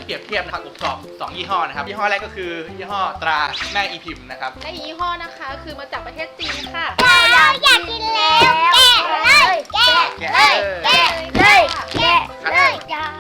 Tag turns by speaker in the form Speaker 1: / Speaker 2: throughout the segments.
Speaker 1: เปรียบเทียบนะครับอบกรอบ2ยี่ห้อนะครับยี่ห้อแรกก็คือยี่ห้อตราแม่อีพิมพ์นะครับ
Speaker 2: และยี่ห้อนะคะคือมาจากประเทศจีนค่ะ
Speaker 3: อยากกินแล้วแกะเลยแกะเลยแกะเลยอยาก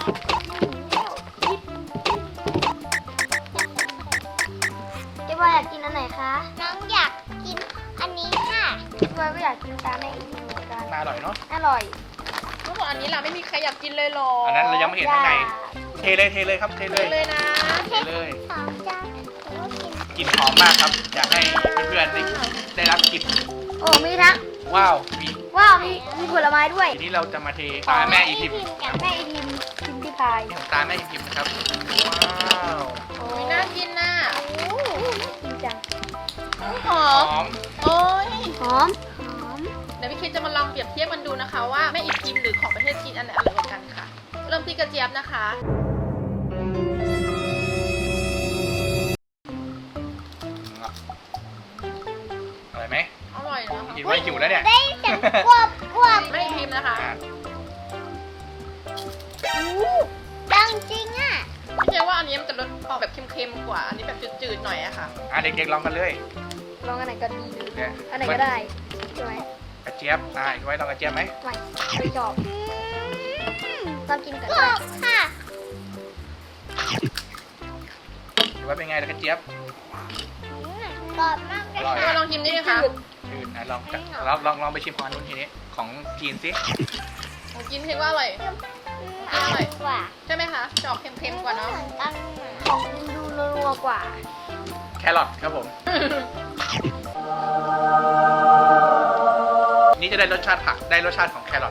Speaker 3: เจ๊บอยอยากกินอันไหนคะน้องอยากกินอันนี้ค่ะเจ๊บอยก็อยากกินตามแม่อีกเหมือนกัน
Speaker 1: น่าอร่อยเนาะ
Speaker 3: อร่อย
Speaker 2: ทุกคนอันนี้เราไม่มีใครอยากกินเลยหรอ
Speaker 1: อั
Speaker 2: อั
Speaker 1: นนั้นเรายังไม่เห็นข้างในเทเลยครับเทเลย
Speaker 2: เลยนะ
Speaker 1: เทเลย
Speaker 3: สองจาน
Speaker 1: กลิ่นหอมมากครับอยากให้เพื่อนๆได้รับกลิ่น
Speaker 3: โอ้มีทั้ง
Speaker 1: ว้าวมี
Speaker 3: ว้าวมีผลไม้ด้วย
Speaker 1: ทีนี้เราจะมาเทตราแม่อีพิมพ์
Speaker 3: แม่อีพิมพิมพ์ที่พาย
Speaker 1: ของตราแม่อีพิมพ์นะครับว้าว
Speaker 3: โอ้
Speaker 2: มีน่ากินน่ะ
Speaker 3: กินจัง
Speaker 2: หอ
Speaker 1: ห
Speaker 2: ม
Speaker 1: อม
Speaker 2: โอ้ย
Speaker 3: หอมหอม
Speaker 2: เดี๋ยวพี่คิดจะมาลองเปรียบเทียบกันดูนะคะว่าแม่อีพิมพ์หรือของประเทศจีนอันไหนอร่อยกว่ากันค่ะ เริ่มที่กระเจี๊ยบนะคะ
Speaker 1: อร่อยไหม
Speaker 2: อร่อยนะคะ
Speaker 1: กินไว้หิวแล้วเนี่ย
Speaker 3: ได้เสียงกวบกวบ
Speaker 2: แม่อีพิมพ์นะคะ
Speaker 3: ดังจริงอ่ะ
Speaker 2: พี่เจ๊ว่าอันนี้มันจะรสออกแบบเค็มๆกว่า อันนี้แบบจืดๆหน่อยอะค่ะ
Speaker 1: เด็กๆลองกันเลย
Speaker 3: ลองอันไหนก็ดี
Speaker 1: เนี่ย
Speaker 3: อันไหนก็ได้ใช่ไหม
Speaker 1: กระเจี๊ยบไว้ลองกระเจี๊ยบไหม
Speaker 3: ไม่ชอบลองกินก่อนได้ค่ะ
Speaker 1: หรือว่าเป็นไงล่ะกระเจี๊ยบ
Speaker 3: กรอบมาก
Speaker 1: อร่อย
Speaker 2: พี่ว่าลองชิมดิค่ะ
Speaker 1: จืดลองไปชิมของอันนู้นทีนี้ของจีนสิ
Speaker 2: ผมกินเห็นว่าอร่อย
Speaker 3: อร่อยกว่า
Speaker 2: ใช่ไหมคะจะออกเค็มๆกว่าเนาะ
Speaker 3: ของดูนัวกว่า
Speaker 1: แครอทครับผม นี่จะได้รสชาติผักได้รสชาติของแครอท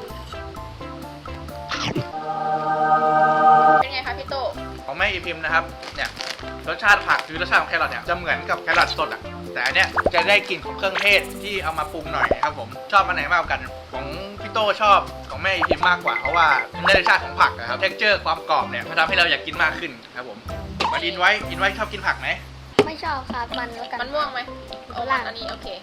Speaker 2: เป็นไงคะพี่โต
Speaker 1: ของแม่อีพิมพ์นะครับเนี่ยรสชาติผักหรือรสชาติของแครอทเนี่ยจะเหมือนกับแครอทสดอ่ะแต่อันเนี้ยจะได้กลิ่นของเครื่องเทศที่เอามาปรุงหน่อยนะครับผมชอบอันไหนมากกว่ากันของพี่โตชอบของแม่อีพิมพ์มากกว่าเพราะว่ามันได้รสชาติของผักนะครับเท็กเจอร์ความกรอบเนี่ยมันทำให้เราอยากกินมากขึ้นครับผมมาอินไว้ชอบกินผักไหม
Speaker 3: ไม่ชอบครับมันแล้วกัน
Speaker 2: มันม่วงไหมโอ้
Speaker 3: หลัง
Speaker 2: อันนี้โอเค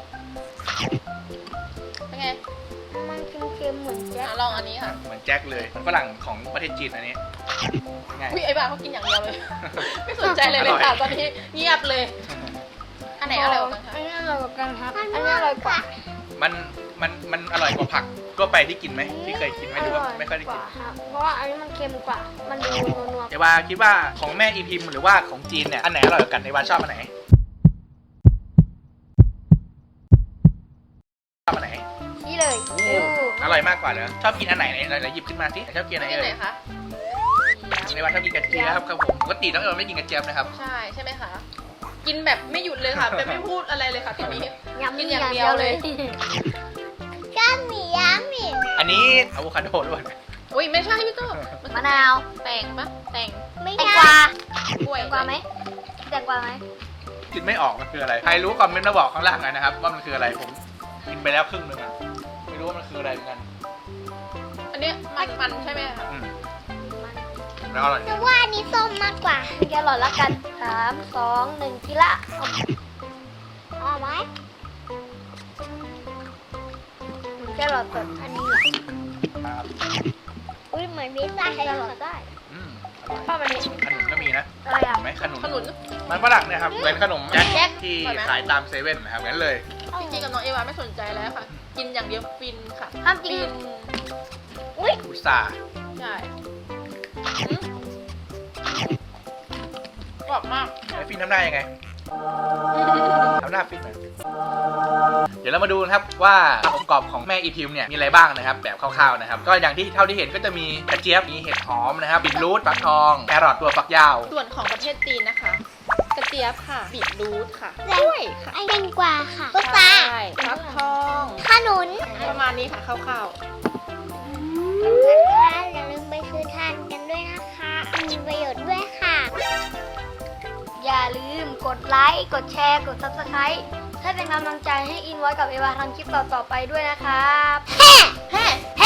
Speaker 2: เป็นไง
Speaker 3: มันเค็มๆเหมือนแจ๊ค
Speaker 2: ลองอันนี้ค่ะ
Speaker 1: เหมือนแจ็คเลยมันฝรั่งของประเทศจีนอันนี้ไง
Speaker 2: อุ้ยไอ้บ้าเขากินอย่างเดียวเลย ไม่สนใจเลยเลยค่ะตอนนี้เงียบเลย อันไหนอร่อยกว่ากันคะ
Speaker 3: อันนี้อร่อยกว่ากันครับ อันนี้อร่อยกว่า
Speaker 1: มันอร่อยกว่าผักทั่วไปที่กินไหมที่เคยกินไหมหรือว่าไม่ค่อยได้
Speaker 3: ก
Speaker 1: กิน
Speaker 3: ว่าครับ เพราะว่าอันนี้มันเค็มกว่า มันดูนัว
Speaker 1: เอวาคิดว่าของแม่อีพิมพ์หรือว่าของจีนเนี่ยอันไหนอร่อยกว่ากันเอวาชอบอันไหนชอบอันไหน
Speaker 3: ๆนี่เลย
Speaker 1: อร่อยมากกว่าเหรอชอบกินอันไหนไหนหยิบขึ้นมาสิชอบกินอันไหน
Speaker 2: ที่
Speaker 1: เอ่
Speaker 2: ไหน
Speaker 1: ย
Speaker 2: คะ
Speaker 1: เอวาชอบกินกระเจี๊ยบครับผมปกติน้องเอวาไม่กินกระเจี๊ยบนะครับ
Speaker 2: ใช่ไหมคะ กินแบบไม่หยุดเลยค่ะแต่ไม่พูดอะไรเลยค่ะทีนี้ กินอย่างเดียวเลย
Speaker 3: ก้ามหมี่ยาหมี่
Speaker 1: อันนี้อะโวคาโดด้วย
Speaker 2: อุ้ยไม่ใช่พี่โต
Speaker 3: มะนาว
Speaker 2: แตงปะแตง
Speaker 3: แตงกวาก
Speaker 2: ล้วย
Speaker 3: แตงกวาไหมแตงกวาไหม
Speaker 1: กินไม่ออกมันคืออะไรใครรู้คอมเมนต์มาบอกข้างล่างหน่อยนะครับว่ามันคืออะไรผมกินไปแล้วครึ่งนึงอะไม่รู้ว่ามันคืออะไรเหมือนกัน
Speaker 2: อันนี้มันใช่ไหมคะ
Speaker 1: อืมแล้วอร่อย
Speaker 3: จะว่านี้ส้มมากกว่าแกหลอดละกัน3 2 1ทีละเอาไหมแกหลอดสดอันนี้
Speaker 1: ครับ
Speaker 3: อุ้ยเหมือนพิซซ่าแกหลอดได้
Speaker 1: อืมอร่อย
Speaker 2: ชอบอันนี้
Speaker 1: ขนุนก็มีนะ
Speaker 3: อะไรอ่ะ
Speaker 1: เห็นไหมขนุน
Speaker 2: ขนุน
Speaker 1: มันฝรั่งเนี่ยครับเหมือนขนมแจ็ค
Speaker 2: แจ็ค
Speaker 1: ที่
Speaker 2: อร่อยไหม
Speaker 1: ขายตามเซเว่นนะครับงั้นเลย
Speaker 2: จริงๆกับน้องเอวาไม่สนใจแล้วค่ะ กินอย่างเดียวฟินค่ะ
Speaker 3: ห้ามจริง
Speaker 2: ฟิน
Speaker 3: อุ้ย
Speaker 1: อุตส่าห์
Speaker 2: ใช่อืมกรอบมาก
Speaker 1: ไอ้ฟินทำหน้ายังไงทำหน้าฟินหน่อยเดี๋ยวเรามาดูนะครับว่าองค์ประกอบของแม่อีพิมเนี่ยมีอะไรบ้างนะครับแบบคร่าวๆนะครับก็อย่างที่เท่าที่เห็นก็จะมีกระเจี๊ยบมีเห็ดหอมนะครับบีทรูทฟักทองแครอทตัวฟักยาว
Speaker 2: ส่วนของประเทศจีนนะคะ กระเจี๊ยบค่ะ บีทรูทค่ะกล้วยค่ะ
Speaker 3: ไอแตงกวาค่ะพุท
Speaker 2: ใช
Speaker 3: รา
Speaker 2: ่ฟักทอง
Speaker 3: ขนุน
Speaker 2: ประมาณนี้ค่ะคร่าว
Speaker 3: อย่าลืมไปซื้อทานกันด้วยนะคะ มีประโยชน์ด้วยค่ะ อย่าลืมกดไลค์ กดแชร์ กด Subscribe ให้เป็นกำลังใจให้อินไว้กับเอวาทำคลิปต่อๆไปด้วยนะครับ
Speaker 2: ๆแฮ่